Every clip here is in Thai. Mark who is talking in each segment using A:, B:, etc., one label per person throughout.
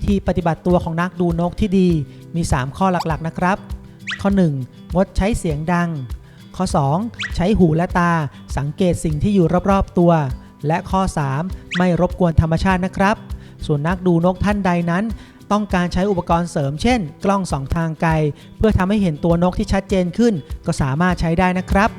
A: ธีปฏิบัติตัวของนักดูนกที่ดีมี 3 ข้อหลักๆนะครับข้อ 1. งดใช้เสียงดังข้อ 2. ใช้หูและตาสังเกตสิ่งที่อยู่รอบๆตัวและข้อ 3. ไม่รบกวนธรรมชาตินะครับส่วนนักดูนกท่านใดนั้นต้องการใช้อุปกรณ์เสริมเช่นกล้อง2ทางไกลเพื่อทำให้เห็นตัวนกที่ชัดเจนขึ้นก็สามารถใช้ได้นะครับ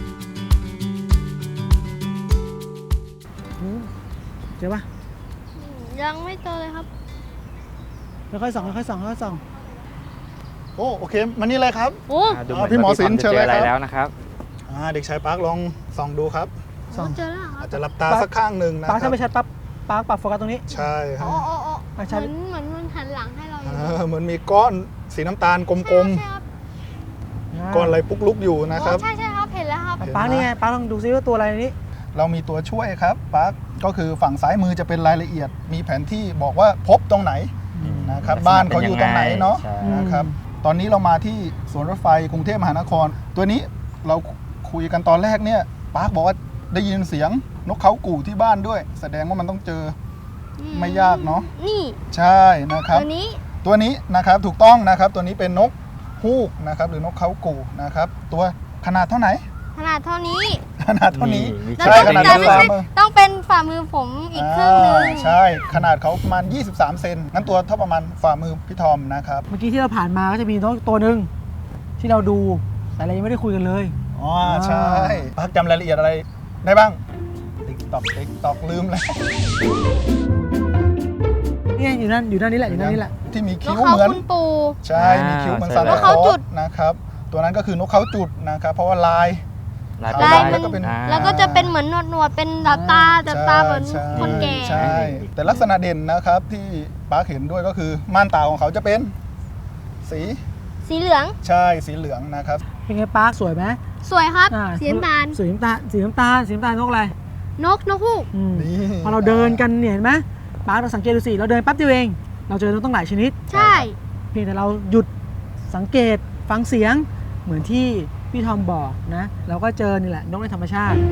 A: เจอปะ
B: ยังไม่เจอเลยครับ
A: ค่อยๆส่องค่อยๆส่องค่อยๆส่อง
C: โอ้โอเคมานี่เลยครับ
B: โอ้
D: ดูเหมือน
C: พี่หมอ
D: ว่า
C: ศิลป์
D: จะเจออะไร
C: เชิญเลยครับ
D: แล้วนะครับ
C: เด็กชายปาร์คลองส่องดูครับ
A: ส่อง
B: เจอแล้วเหรอค
C: อา
B: รั
C: จ
B: บ
C: จะหลับตาสักข้างหนึ่งนะ
A: ปาร์ค
C: ครั
A: ถ้า
C: บ
A: ไม่ชัดปั๊บปาร์คปรับโฟกัสตรงนี้
C: ใช่ครั
B: อ๋
C: บ
B: อ
A: อ่ะ
B: เห
A: ใช่
B: มือนมันหันหลังให้เราอยู่
C: เหมือนมีก้อนสีน้ำตาลกลม
B: ใช่ครับ
C: ๆก้อนอะไรปุ๊กลุกอยู่นะครับ
B: ใช่ครับเห็นแล้วครับ
A: ปาร์คนี่ไงปาร์คลองดูซิว่าตัวอะไรในนี้
C: เรามีตัวช่วยครับปาร์คก็คือฝั่งซ้ายมือจะเป็นรายละเอียด มีแผนที่บอกว่าพบตรงไหนนะครับ
D: ลักษณะ
C: บ้านเขาอยู่ตรงไหนเนาะ
D: ใช่
C: นะครับตอนนี้เรามาที่สวนรถไฟกรุงเทพมหานคร ตัวนี้เราคุยกันตอนแรกเนี่ยปาร์คบอกว่าได้ยินเสียงนกเขากู่ที่บ้านด้วย แสดงว่ามันต้องเจอไม่ยากเนาะ
B: นี่
C: ใช่นะครับ
B: ตัวนี้
C: ตัวนี้นะครับถูกต้องนะครับตัวนี้เป็นนกฮูกนะครับหรือนกเขากู่นะครับตัวขนาดเท่าไหร่
B: ขนาดเท่านี้
C: ขนาดเท่านี้
D: มี
B: แล้ว
C: ใช่
B: ต้อง
C: ขนาด
B: แต่
C: นิ้ว
B: ไม่
C: ฝ่า
B: ใช่
C: มือ
B: ต้องเป็นฝ่ามือผมอีกครึ่งหนึง
C: ใช่ขนาดเขาประมาณ23 เซนงั้นตัวเท่าประมาณฝ่ามือพี่ทอมนะครับ
A: เมื่อกี้ที่เราผ่านมาก็จะมีนกตัวหนึ่งที่เราดูแต่เรายังไม่ได้คุยกันเลย
C: อ๋อใช่พักจำรายละเอียดอะไรได้บ้างติ๊กตอกลืมแล้ว
A: นี่อยู่นั่นนี่แหละอยู่นั่นนี่แหละ
C: ที่มี
B: น
C: คิ้
B: ก
C: ว
B: เขา
C: เหมือน
B: คุณปู
C: ใช่มีคิ้วเหมือนซาน
B: น
C: ตาก
B: เขา
C: คลอ
B: จุ
C: ส
B: ด
C: นะครับตัวนั้นก็คือนกเขาจุดนะครับเพราะว่าลาย
D: ลาย
C: ลาย
D: เป็
C: มัน นก็เป็น
B: แล้วก็จะเป็นเหมือนหนวดเป็นตาเหมือน
C: ใช่
B: คนแก่
C: ใช่แต่ลักษณะเด่นนะครับที่ปาร์คเห็นด้วยก็คือม่านตาของเขาจะเป็นสี
B: สีเหลือง
C: ใช่สีเหลืองนะครับ
A: เป็นไงปาร์คสวยไหม
B: สวยครับ
A: อ่า
B: สีน้ำตาล
A: สีน้ำตาลสีน้ำตาลสีน้ำตาลนกอะไร
B: นกฮูก
A: อืม
C: นี่
A: พอเราเดินกันเนี่ยเห็นไหมปาร์คเราสังเกตดูสิเราเดินแป๊บเดียวเองเราเจอนกตั้งหลายชนิด
B: ใช่
A: เพียงแต่เราหยุดสังเกตฟังเสียงเหมือนที่พี่ทอมบอกนะเราก็เจอนี่แหละนกในธรรมชาติ